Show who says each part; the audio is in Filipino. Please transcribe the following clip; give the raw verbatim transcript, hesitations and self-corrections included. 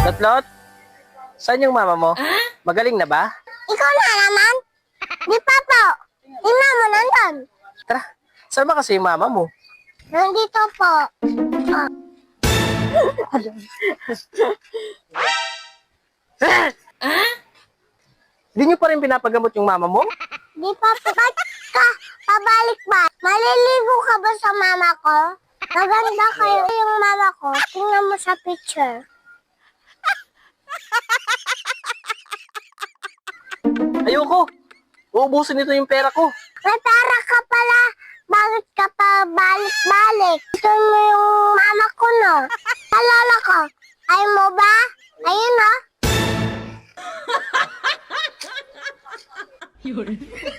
Speaker 1: Lotlot, saan yung mama mo? Magaling na ba?
Speaker 2: Ikaw na naman? Di pa po. Di mama nandun.
Speaker 1: Tara, saan ba kasi yung mama mo?
Speaker 2: Nandito po. Oh.
Speaker 1: Hindi niyo pa rin pinapagamot yung mama mo?
Speaker 2: Di pa po. Ba't ka pabalik ba? Maliligo ka ba sa mama ko? Maganda kayo yung mama ko. Tingnan mo sa picture.
Speaker 1: Ayoko. Uubusin nito yung pera ko.
Speaker 2: May pera ka pala. Bakit ka pa balik-balik? Ito mo yung mama ko, no? Alala ko. Ay mo ba? Ayun, no?